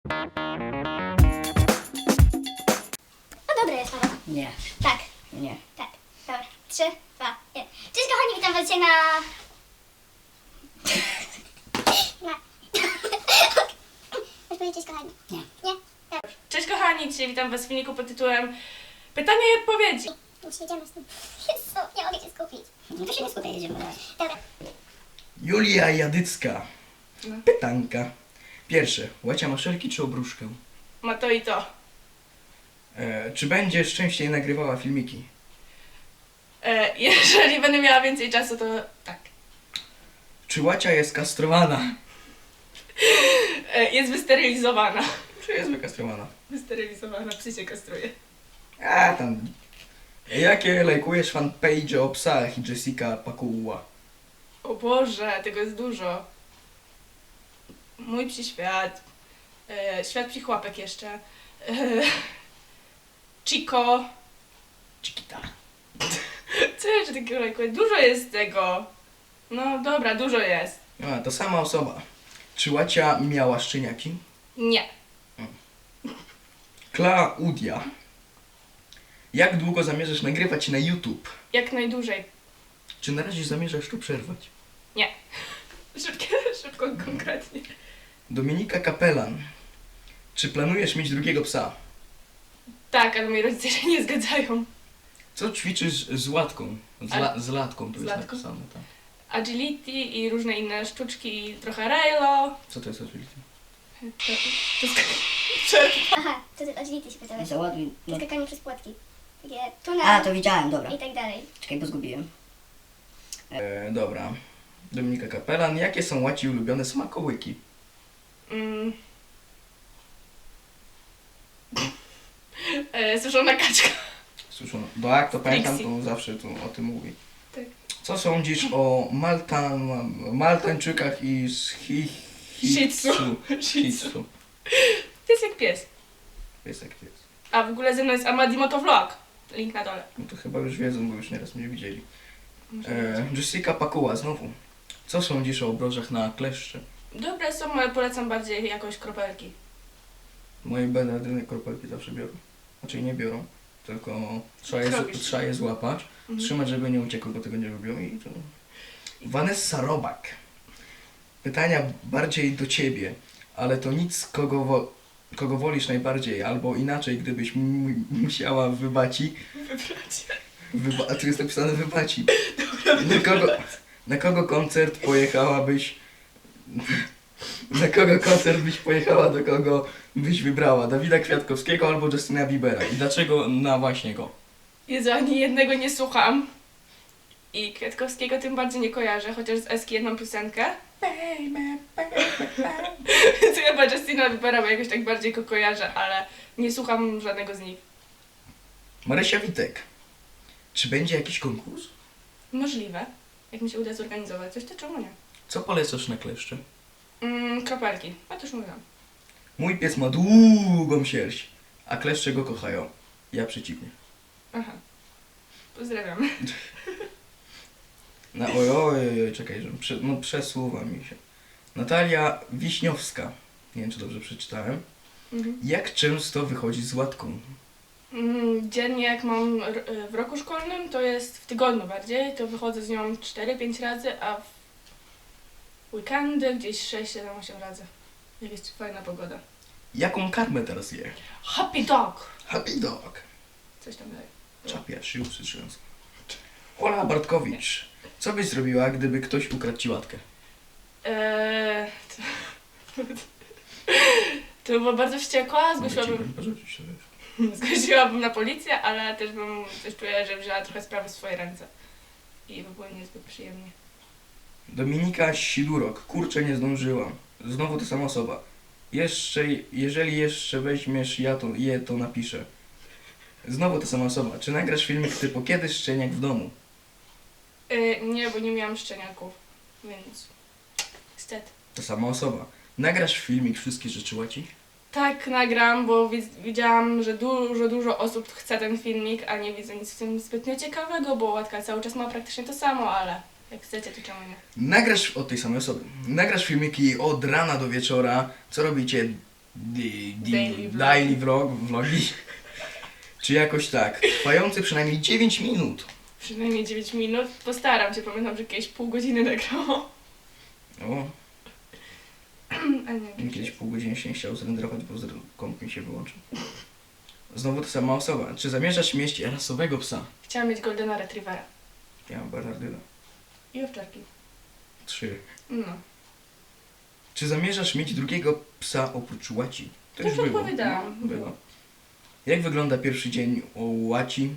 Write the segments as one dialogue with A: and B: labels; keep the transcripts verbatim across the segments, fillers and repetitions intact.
A: No dobre jest, Paweł.
B: Nie,
A: Tak,
B: nie.
A: tak. Dobra. Trzy, dwa, jeden. Cześć kochani, witam was dzisiaj na... na... Chcesz powiedzieć cześć kochani?
B: Nie.
A: Nie? Dobra.
C: Cześć kochani, dzisiaj witam was w filmiku pod tytułem Pytania i odpowiedzi.
A: Już jedziemy z tym. Jezu, nie mogę się skupić.
B: No to się nie skupię, jedziemy dalej.
A: Dobra.
D: Julia Jadycka.
C: No.
D: Pytanka. Pierwsze. Łacia maszelki czy obruszkę?
C: Ma to i to.
D: E, czy będziesz częściej nagrywała filmiki?
C: E, jeżeli będę miała więcej czasu, to tak.
D: Czy Łacia jest kastrowana?
C: E, jest wysterylizowana.
D: Czy jest wykastrowana?
C: Wysterylizowana, psy się kastruje.
D: A tam. Jakie lajkujesz fanpage o psach i Jessica Pakuła?
C: O Boże, tego jest dużo. Mój psi świat. E, świat psich łapek jeszcze. E, Chico.
D: Chiquita.
C: Co jeszcze takiego lajkuję? Dużo jest tego. No dobra, dużo jest.
D: A, to sama osoba. Czy Łacia miała szczeniaki?
C: Nie.
D: Klaudia. Jak długo zamierzasz nagrywać na YouTube?
C: Jak najdłużej.
D: Czy na razie zamierzasz tu przerwać?
C: Nie. Szybkie, szybko, konkretnie.
D: Dominika Kapelan. Czy planujesz mieć drugiego psa?
C: Tak, ale moi rodzice się nie zgadzają.
D: Co ćwiczysz z łatką? Z, la, z latką tu
C: Z
D: jest
C: latką?
D: napisane, tak.
C: Agility i różne inne sztuczki, i trochę railo.
D: Co to jest agility?
C: To, to jest przerwa.
A: Aha, to ty agility się pytałeś.
B: Załaduj. No.
A: Skakanie przez płotki. Takie tunel
B: A, to widziałem, dobra.
A: i tak dalej.
B: Czekaj, bo zgubiłem.
D: E, dobra. Dominika Kapelan. Jakie są Łaci ulubione smakołyki?
C: Mm. E, suszona kaczka.
D: Słyszono. Tak, to pamiętam,
C: Trixie.
D: to zawsze tu o tym mówi.
C: Tak.
D: Co sądzisz o Maltan, Maltańczykach i z hi, hi,
C: Shih tzu.
D: Shih tzu.
C: To jest jak pies.
D: Jest jak jest.
C: A w ogóle ze mną jest Amadi Motovlog. Link na dole.
D: No to chyba już wiedzą, bo już nieraz mnie widzieli.
C: Może
D: E, Jessica Pakuła znowu. Co sądzisz o obrożach na kleszcze?
C: Dobre są, ale polecam bardziej jakoś kropelki.
D: Moje Bernardyny kropelki zawsze biorą. Znaczy nie biorą, tylko trzeba je,
C: Zrobisz.
D: trzeba je złapać,
C: Mhm.
D: trzymać, żeby nie uciekły, bo tego nie lubią i to... Vanessa Robak. Pytania bardziej do ciebie, ale to nic, kogo, wo, kogo wolisz najbardziej, albo inaczej, gdybyś mu- musiała wybaci.
C: Wybrać.
D: Wyba, a tu jest napisane wybaci. Na kogo, na kogo koncert pojechałabyś? Na kogo koncert byś pojechała, do kogo byś wybrała? Dawida Kwiatkowskiego albo Justina Biebera? I dlaczego na właśnie go?
C: Jezu, ani jednego nie słucham. I Kwiatkowskiego tym bardziej nie kojarzę, chociaż z Eski jedną piosenkę. Więc chyba Justina Biebera, bo jakoś tak bardziej go kojarzę, ale nie słucham żadnego z nich.
D: Marysia Witek. Czy będzie jakiś konkurs?
C: Możliwe. Jak mi się uda zorganizować coś, to czemu nie?
D: Co polecasz na kleszcze?
C: Mm, kropelki. A to już mówiłam.
D: Mój pies ma długą sierść, a kleszcze go kochają. Ja przeciwnie.
C: Aha. Pozdrawiam.
D: Na, oj, oj, oj, oj, czekaj, że prze, no, przesuwa mi się. Natalia Wiśniowska. Nie wiem, czy dobrze przeczytałem.
C: Mhm.
D: Jak często wychodzi z łatką?
C: Mm, dziennie jak mam r- w roku szkolnym, to jest w tygodniu bardziej, to wychodzę z nią cztery pięć razy, a w weekendy gdzieś sześć siedem osiem razy. Jak jest fajna pogoda.
D: Jaką karmę teraz je?
C: Happy dog!
D: Happy dog.
C: Coś tam dalej.
D: Czapia, szyłsy trząską. Ola Bartkowicz. Co byś zrobiła, gdyby ktoś ukradł ci łatkę?
C: Eee, to, to by była bardzo wściekła, zgłosiłabym,
D: Mogę ci porzucić się, wiesz.
C: zgłosiłabym na policję, ale też bym coś czuła, że wzięła trochę sprawy w swoje ręce. I by było niezbyt przyjemnie.
D: Dominika Sidurok. Kurczę, nie zdążyłam. Znowu ta sama osoba. Jeszcze, jeżeli jeszcze weźmiesz ja to, je, to napiszę. Znowu ta sama osoba. Czy nagrasz filmik typu kiedy szczeniak w domu?
C: Eee, nie, bo nie miałam szczeniaków, więc niestety.
D: Ta sama osoba. Nagrasz filmik wszystkie rzeczy łaci?
C: Tak, nagram, bo widz- widziałam, że dużo, dużo osób chce ten filmik, a nie widzę nic w tym zbytnio ciekawego, bo Łatka cały czas ma praktycznie to samo, ale jak chcecie, to czemu nie?
D: Nagrasz od tej samej osoby. Nagrasz filmiki od rana do wieczora, co robicie di, di,
C: Daily vlog.
D: daily vlog, vlogi, czy jakoś tak, trwający przynajmniej dziewięć minut.
C: Przynajmniej dziewięć minut. Postaram się, pamiętam, że jakieś pół godziny nagrało.
D: O,
C: A nie,
D: kiedyś pół godziny się nie chciał zrenderować, bo zre- komp mi się wyłączył. Znowu ta sama osoba. Czy zamierzasz mieć rasowego psa?
C: Chciałam mieć Goldena Retrievera.
D: Ja mam Bernardyna.
C: I owczarki.
D: Trzy.
C: No.
D: Czy zamierzasz mieć drugiego psa oprócz Łaci? To
C: To
D: już
C: już
D: było.
C: odpowiedziałam.
D: No, było. Jak wygląda pierwszy dzień u Łaci?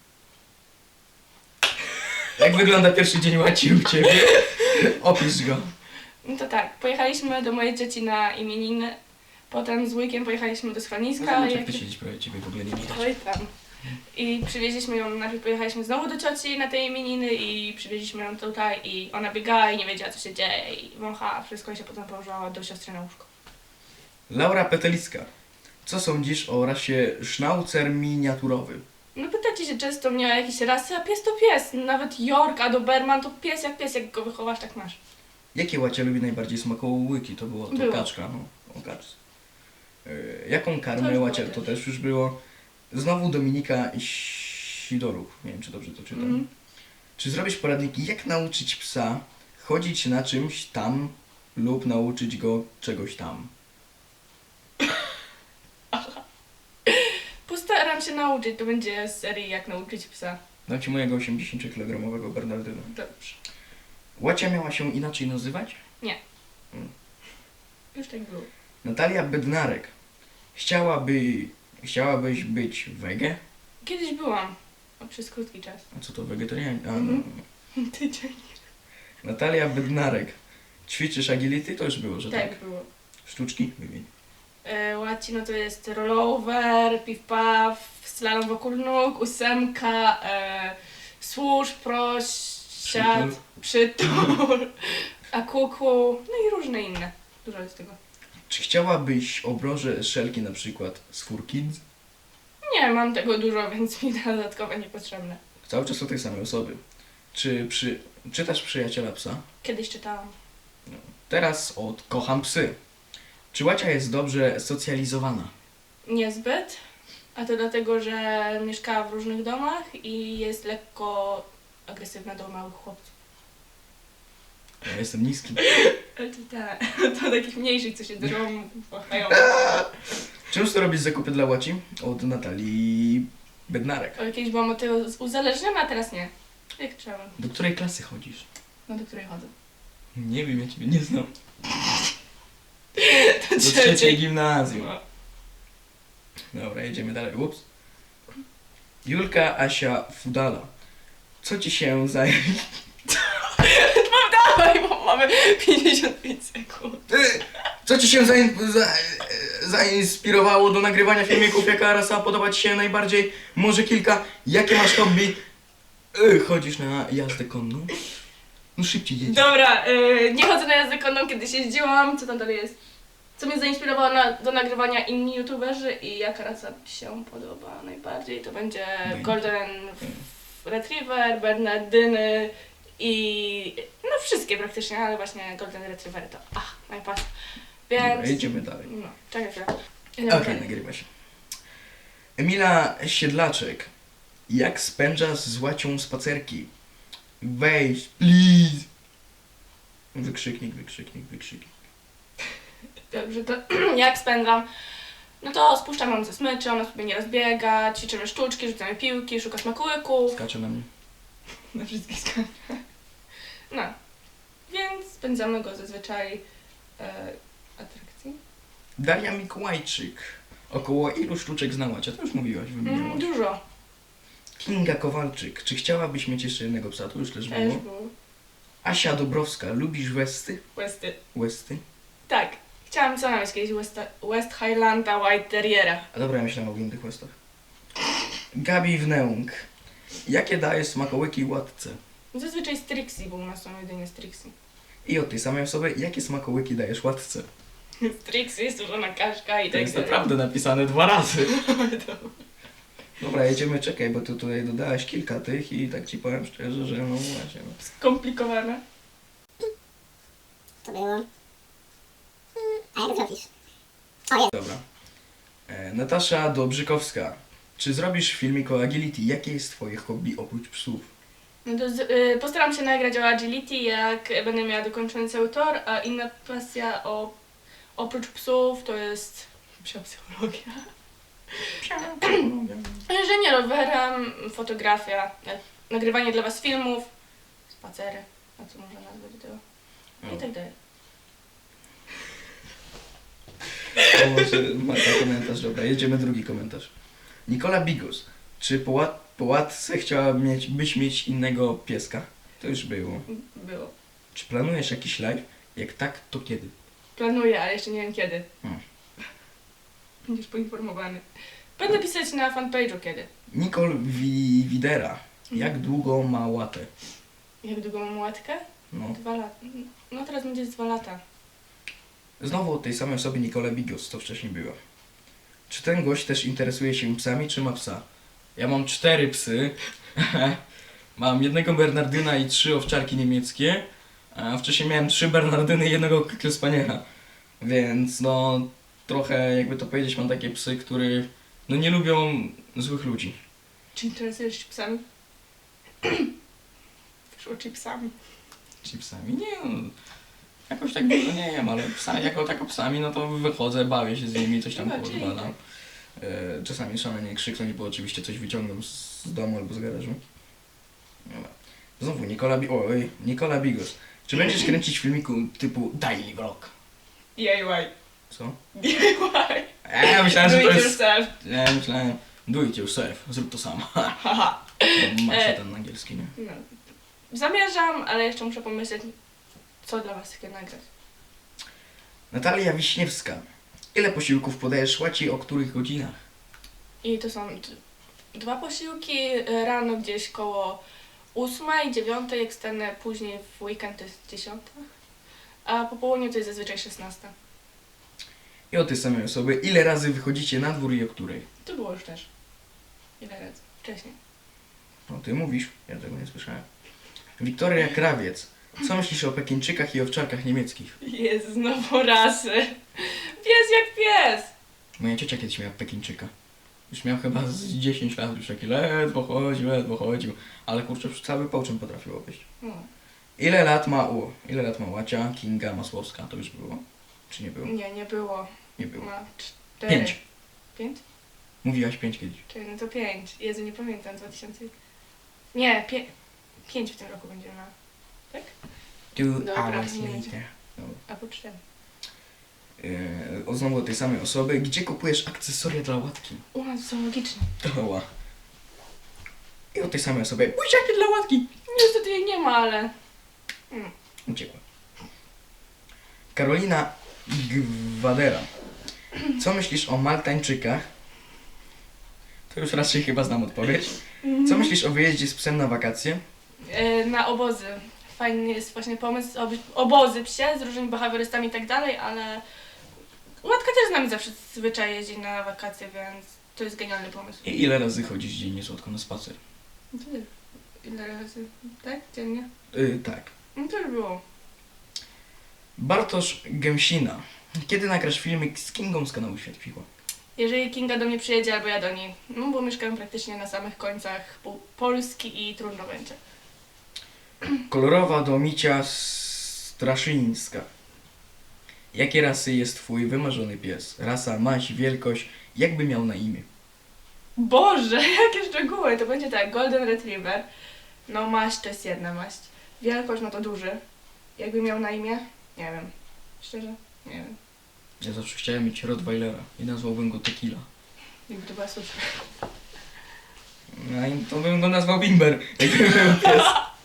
D: Jak wygląda pierwszy dzień Łaci u Ciebie? Opisz go.
C: No to tak, pojechaliśmy do mojej dzieci na imieniny. Potem z wujkiem pojechaliśmy do schroniska.
D: Zobacz,
C: jak-
D: jak ty siedzisz prawie Ciebie w ogóle nie widać.
C: Oj tam. I przywieźliśmy ją, najpierw pojechaliśmy znowu do cioci na te imieniny i przywieźliśmy ją tutaj i ona biegała i nie wiedziała co się dzieje i wąchała wszystko i się potem położyła do siostry na łóżko.
D: Laura Petelicka. Co sądzisz o rasie sznaucer miniaturowy?
C: No pytacie się często mnie o jakieś rasy, a pies to pies. Nawet York, a Doberman to pies jak pies, jak go wychowasz tak masz.
D: Jakie Łacia lubi najbardziej smakołyki? To było to
C: Było.
D: kaczka, no. O kaczce. Yy, jaką
C: To
D: karmę
C: już
D: Łacia?
C: było
D: To
C: też.
D: też już było. Znowu Dominika Sidorów. Nie wiem, czy dobrze to czytam.
C: Mhm.
D: Czy zrobisz poradniki, jak nauczyć psa chodzić na czymś tam lub nauczyć go czegoś tam?
C: Postaram się nauczyć, to będzie z serii jak nauczyć psa.
D: Dam ci mojego osiemdziesięciokilogramowego Bernardyna.
C: Dobrze.
D: Łacia miała się inaczej nazywać?
C: Już tak było.
D: Natalia Bednarek. Chciałaby... Chciałabyś być wege?
C: Kiedyś byłam. O, przez krótki czas.
D: A co to wegetarianin? A,
C: Mhm.
D: no.
C: Tydzień.
D: Natalia Bednarek. Ćwiczysz agility? To już było, że tak.
C: Tak było.
D: Sztuczki? Wymień.
C: E, Łacino to jest rollover, piw-paw, slalom wokół nóg, ósemka, e, służ, proś, siad, przytul, a kuku, no i różne inne. Dużo jest tego.
D: Czy chciałabyś obroże szelki na przykład z Four Kids?
C: Nie, mam tego dużo, więc mi dodatkowe niepotrzebne.
D: Cały czas o tej samej osoby. Czy przy... czytasz Przyjaciela Psa?
C: Kiedyś czytałam.
D: Teraz od Kocham Psy. Czy Łacia jest dobrze socjalizowana?
C: Niezbyt, a to dlatego, że mieszkała w różnych domach i jest lekko agresywna do małych chłopców.
D: Ja jestem niski.
C: Ale to tak, to takich mniejszych, co się drą, płachają.
D: Często robisz zakupy dla Łaci? Od Natalii Bednarek.
C: O, Kiedyś byłam od tego uzależniona, a teraz nie. Jak trzeba.
D: Do której klasy chodzisz?
C: No do której chodzę.
D: Nie wiem, ja Ciebie nie znam.
C: Do
D: Do trzeciej gimnazjum.
C: No.
D: Dobra, jedziemy dalej. Ups. Julka Asia Fudala. Co Ci się zajmie?
C: Dawaj, bo mamy pięćdziesiąt pięć sekund.
D: Co Ci się zain- za- zainspirowało do nagrywania filmików? Jaka rasa podoba Ci się najbardziej? Może kilka? Jakie masz hobby? Y, Chodzisz na jazdę konną? No szybciej jedź.
C: Dobra, yy, nie chodzę na jazdę konną, kiedyś jeździłam. Co tam dalej jest? Co mnie zainspirowało na, do nagrywania inni youtuberzy i jaka rasa mi się podoba najbardziej, to będzie
D: Będzie.
C: Golden Retriever, Bernardyny i no wszystkie praktycznie, ale właśnie Golden Retriever to ach, najpierw.
D: Dobra,
C: Więc...
D: jedziemy dalej.
C: No, czekaj chwilę.
D: Okej, nagrywa się. Emila Siedlaczek. Jak spędzasz z Łacią spacerki? Weź, please. Wykrzyknik, wykrzyknik, wykrzyknik.
C: Dobrze, to jak spędzam? No to spuszczam ją ze smyczy, ona sobie nie rozbiega, ćwiczymy sztuczki, rzucamy piłki, szuka smakołyków.
D: Skacze na mnie.
C: Na wszystkich sklepach. No. Więc spędzamy go zazwyczaj e, atrakcji.
D: Daria Mikołajczyk. Około ilu sztuczek zna Łacia? To już mówiłaś,
C: Mm,
D: wymieniałaś.
C: dużo.
D: Kinga Kowalczyk. Czy chciałabyś mieć jeszcze jednego psa? To już też
C: Też
D: było.
C: był.
D: Asia Dobrowska. Lubisz Westy?
C: Westy.
D: Westy?
C: Tak. Chciałam sama mieć kiedyś West, West Highlanda White Terriera.
D: A dobra, ja myślałem o innych Westach. Gabi Wneung. Jakie daje smakołyki Łatce?
C: Zazwyczaj z Trixie, bo u nas są jedynie z Trixie.
D: I od tej samej osoby, jakie smakołyki dajesz Łatce?
C: Z Trixie jest dużona kaszka i
D: To
C: tak
D: jest
C: dalej.
D: naprawdę napisane dwa razy.
C: To-
D: Dobra, jedziemy, czekaj, bo tu tutaj dodałaś kilka tych i tak ci powiem szczerze, że no właśnie. No.
C: Skomplikowane.
B: To było. A jak zrobisz?
D: Dobra. E, Natasza Dobrzykowska. Czy zrobisz filmik o agility? Jakie jest twoje hobby oprócz psów?
C: No to z, y, postaram się nagrać o agility, jak będę miała dokończony cały tor, a inna pasja o, oprócz psów to jest psia psychologia. Jeżdżenie rowerem, fotografia, e, nagrywanie dla was filmów, spacery, a co można nazwać do tego? I tak dalej.
D: O, może ma ten komentarz, dobra, jedziemy drugi komentarz. Nikola Bigos. Czy po, łat, po łatce chciałabyś mieć, byś mieć innego pieska? To już było.
C: Było.
D: Czy planujesz jakiś live? Jak tak, to kiedy?
C: Planuję, ale jeszcze nie wiem kiedy.
D: Hmm.
C: Będziesz poinformowany. Będę pisać na fanpage'u kiedy.
D: Nicole Wi Widera. Jak długo ma łatę?
C: Jak długo mam łatkę?
D: No.
C: Dwa lata. No teraz będzie z dwa lata.
D: Znowu od tej samej osoby Nicole Bigos, to wcześniej było. Czy ten gość też interesuje się psami, czy ma psa? Ja mam cztery psy. Mam jednego Bernardyna i trzy owczarki niemieckie. A wcześniej miałem trzy Bernardyny i jednego Spaniela. Więc no, trochę jakby to powiedzieć, mam takie psy, które no nie lubią złych ludzi.
C: Czy interesujesz się psami? Wyszło chipsami.
D: Czy psami? Nie, no, jakoś tak dużo nie wiem, ale psa, jako tako psami, no to wychodzę, bawię się z nimi, coś tam
C: No, czyli
D: podwalam. E, czasami szalenie krzyknąć, bo oczywiście coś wyciągam z domu albo z garażu. Dobra. Znowu Nikola, Bi oj, Nikola Bigos. Czy będziesz kręcić filmiku typu daily vlog?
C: D I Y.
D: Co?
C: D I Y.
D: Eee, myślałem, że
C: Do
D: to
C: it
D: jest...
C: yourself.
D: Nie, myślałem, do it yourself, zrób to sam.
C: Haha.
D: Masz
C: E.
D: ten angielski, nie?
C: No. Zamierzam, ale jeszcze muszę pomyśleć, co dla was takiego nagrać.
D: Natalia Wiśniewska. Ile posiłków podajesz łaci, o których godzinach?
C: I to są d- dwa posiłki, e, rano gdzieś koło ósmej, dziewiątej, jak stanę później w weekend to jest dziesiąta, a po południu to jest zazwyczaj szesnasta.
D: I o tej samej osoby, ile razy wychodzicie na dwór i o której?
C: To było już też. Ile razy? Wcześniej.
D: No ty mówisz, ja tego nie słyszałem. Wiktoria Krawiec. Co myślisz o Pekińczykach i owczarkach niemieckich?
C: Jest znowu rasy. Pies jak pies!
D: Moja ciocia kiedyś miała Pekińczyka. Już miał chyba z dziesięć lat, już taki ledwo chodził, ledwo chodził. Ale kurczę, już cały połczyn potrafił obejść.
C: No.
D: Ile lat ma u? Ile lat ma Łacia, Kinga, Masłowska? To już było? Czy nie było?
C: Nie, nie było.
D: Nie było.
C: Ma cztery.
D: Pięć.
C: Pięć?
D: Mówiłaś pięć kiedyś.
C: Czyli no to pięć. Jezu, nie pamiętam, dwa tysiące... Nie, pie... pięć w tym roku będzie miała. Tak?
D: Two
C: Dobra,
D: hours
C: nie
D: later. Dobra.
C: Albo cztery.
D: Yy, o znowu od tej samej osoby. Gdzie kupujesz akcesoria dla łatki?
C: U nas są logiczne.
D: Doła. I od tej samej osoby. Buziaki dla łatki!
C: Niestety jej nie ma, ale... Mm.
D: Uciekła. Karolina Gwadera. Co myślisz o Maltańczykach? To już raczej chyba znam odpowiedź. Co myślisz o wyjeździe z psem na wakacje?
C: E, na obozy. Fajny jest właśnie pomysł, oby- obozy psie z różnymi behawiorystami i tak dalej, ale Łatka też z nami zawsze zwyczaj jeździ na wakacje, więc to jest genialny pomysł.
D: I ile razy chodzisz dziennie słodko na spacer?
C: No to ile razy? Tak? Dziennie?
D: Yy, tak.
C: No to już było.
D: Bartosz Gęsina. Kiedy nagrasz filmik z Kingą z kanału Świat Piła?
C: Jeżeli Kinga do mnie przyjedzie, albo ja do niej, no bo mieszkam praktycznie na samych końcach pół- Polski i trudno będzie.
D: Kolorowa Domicia Straszyńska. Jakie rasy jest twój wymarzony pies? Rasa, maść, wielkość, jakby miał na imię?
C: Boże, jakie szczegóły! To będzie tak, Golden Retriever. No maść to jest jedna maść. Wielkość no to duży. Jakby miał na imię? Nie wiem. Szczerze? Nie wiem.
D: Ja zawsze chciałem mieć Rottweilera i nazwałbym go Tequila.
C: Jakby to była suszka.
D: No i to bym go nazwał Bimber, jakby był pies.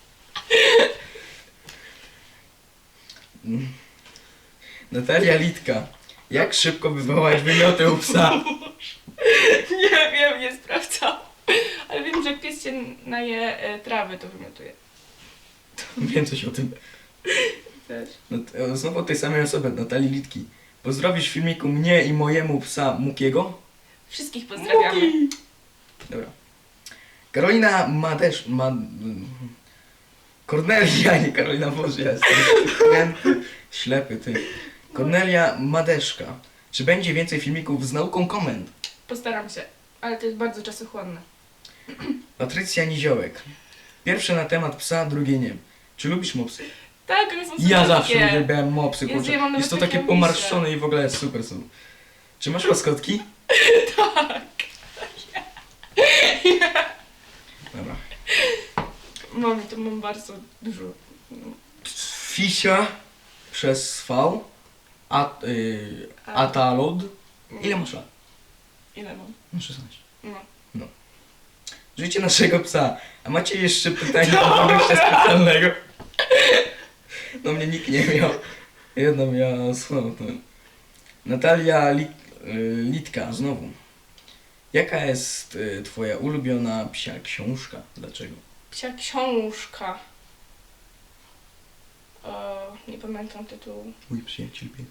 D: Mm. Natalia Litka. Jak szybko wywołać wymioty u psa?
C: Nie wiem, nie sprawdzam. Ale wiem, że jak pies się naje e, trawy, to wymiotuje.
D: Wiem coś o tym.
C: Też.
D: No, to znowu od tej samej osoby, Natalii Litki. Pozdrowisz w filmiku mnie i mojemu psa Mukiego?
C: Wszystkich pozdrawiamy.
D: Dobra. Karolina Madesz... Ma... Kornelia, nie Karolina, Boże, ja jestem ślepy, ty. Kornelia Madeszka. Czy będzie więcej filmików z nauką komend?
C: Postaram się, ale to jest bardzo czasochłonne.
D: Patrycja Niziołek. Pierwsze na temat psa, drugie nie. Czy lubisz mopsy?
C: Tak, one są
D: Ja
C: słodkie.
D: zawsze uwielbiałem mopsy,
C: Jezu,
D: kurczę.
C: ja mam
D: Jest to
C: nawet
D: takie
C: takie
D: pomarszczone i w ogóle jest super są. Czy masz łaskotki?
C: Tak.
D: Dobra.
C: Mam, to mam bardzo dużo.
D: Fisia przez V. At, y, Atalod. Ile masz lat?
C: Ile mam?
D: No szesnaście.
C: No.
D: Życie naszego psa. A macie jeszcze pytanie do gościa specjalnego? No mnie nikt nie miał. Jedna miała słowo. Natalia Li, y, Litka, znowu. Jaka jest y, twoja ulubiona psia książka? Dlaczego?
C: Psia książka. O, nie pamiętam tytułu.
D: Mój przyjaciel pies.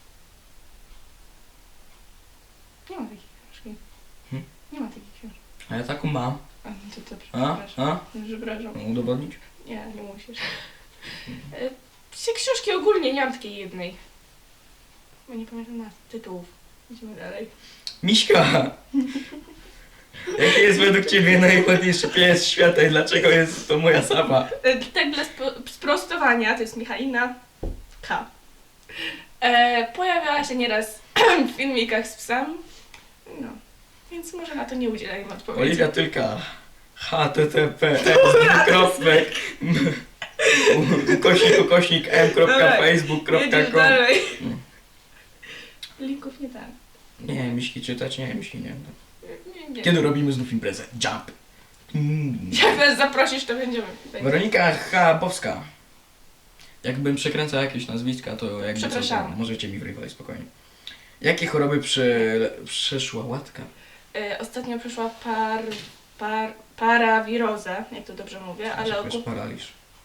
C: Nie ma takiej książki.
D: Hmm?
C: Nie ma takiej książki.
D: A ja taką mam.
C: A, no to, to
D: A?
C: przepraszam.
D: A?
C: Przepraszam.
D: Mam udowodnić?
C: Nie, nie musisz. E, Psie książki ogólnie nie mam takiej jednej. Bo nie pamiętam nazw, tytułów. Idźmy dalej.
D: Miśka! Jaki jest według ciebie najładniejszy pies świata i dlaczego jest to moja sama?
C: E, Tak dla spo, sprostowania, to jest Michalina K. E, pojawiała się nieraz w filmikach z psem. No, więc może na to nie udzielajmy odpowiedzi.
D: Oliwia Tylka. H T T P kropek ukośnik ukośnik m kropka
C: Dobra,
D: facebook kropka
C: Jedziesz
D: com.
C: dalej.
D: Mm.
C: Linków nie tak.
D: Nie, miśki czytać, nie, miśki nie.
C: Nie, nie.
D: Kiedy robimy znów imprezę? Jump. Mm.
C: Jak nas zaprosisz, to będziemy.
D: Weronika Chabowska. Jakbym przekręcał jakieś nazwiska, to jakby co, to
C: Przepraszamy.
D: możecie mi wrywać spokojnie. Jakie choroby prze, przeszła łatka?
C: E, ostatnio przyszła par, par, parawirozę, jak to dobrze mówię, ale
D: Jakoś
C: ogólnie...
D: paraliż.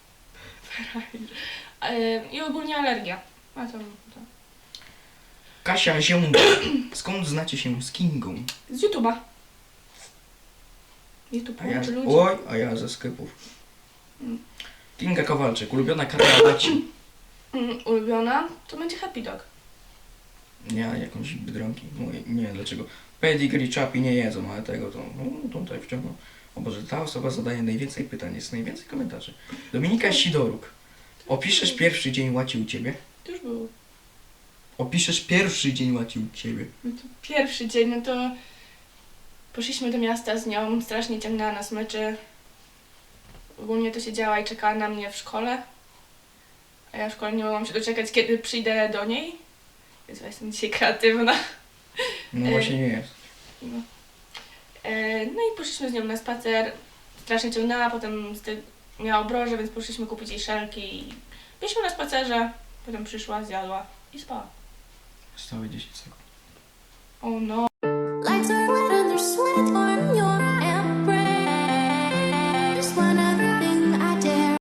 C: E, I ogólnie alergia. A to, to.
D: Kasia Ziąda. Skąd znacie się z Kingą?
C: Z YouTube'a. YouTube
D: A ja,
C: łączy ludzi.
D: oj, a ja ze sklepów.
C: Mm.
D: Kinga Kowalczyk, ulubiona karta Baci.
C: Mm, ulubiona to będzie Happy Dog.
D: Nie, jakąś Biedronki. Mówię, nie, dlaczego? Pedigree, Chapi nie jedzą, ale tego to, no, tutaj wciągnął. O Boże, ta osoba zadaje najwięcej pytań, jest najwięcej komentarzy. Dominika Sidoruk. Opiszesz pierwszy dzień łaci u Ciebie?
C: To już było.
D: Opiszesz pierwszy dzień łaci u Ciebie?
C: No to pierwszy dzień, no to poszliśmy do miasta z nią, strasznie ciągnęła nas mecze. Ogólnie to siedziała i czekała na mnie w szkole. A ja w szkole nie mogłam się doczekać, kiedy przyjdę do niej. Więc ja jestem dzisiaj kreatywna.
D: No
C: E,
D: właśnie nie jest.
C: No. E, no i poszliśmy z nią na spacer. Strasznie ciągnęła, potem z ty- miała obroże, więc poszliśmy kupić jej szelki. I byliśmy na spacerze, potem przyszła, zjadła i spała.
D: Stałe dziesięć sekund.
C: O no.
A: Lights are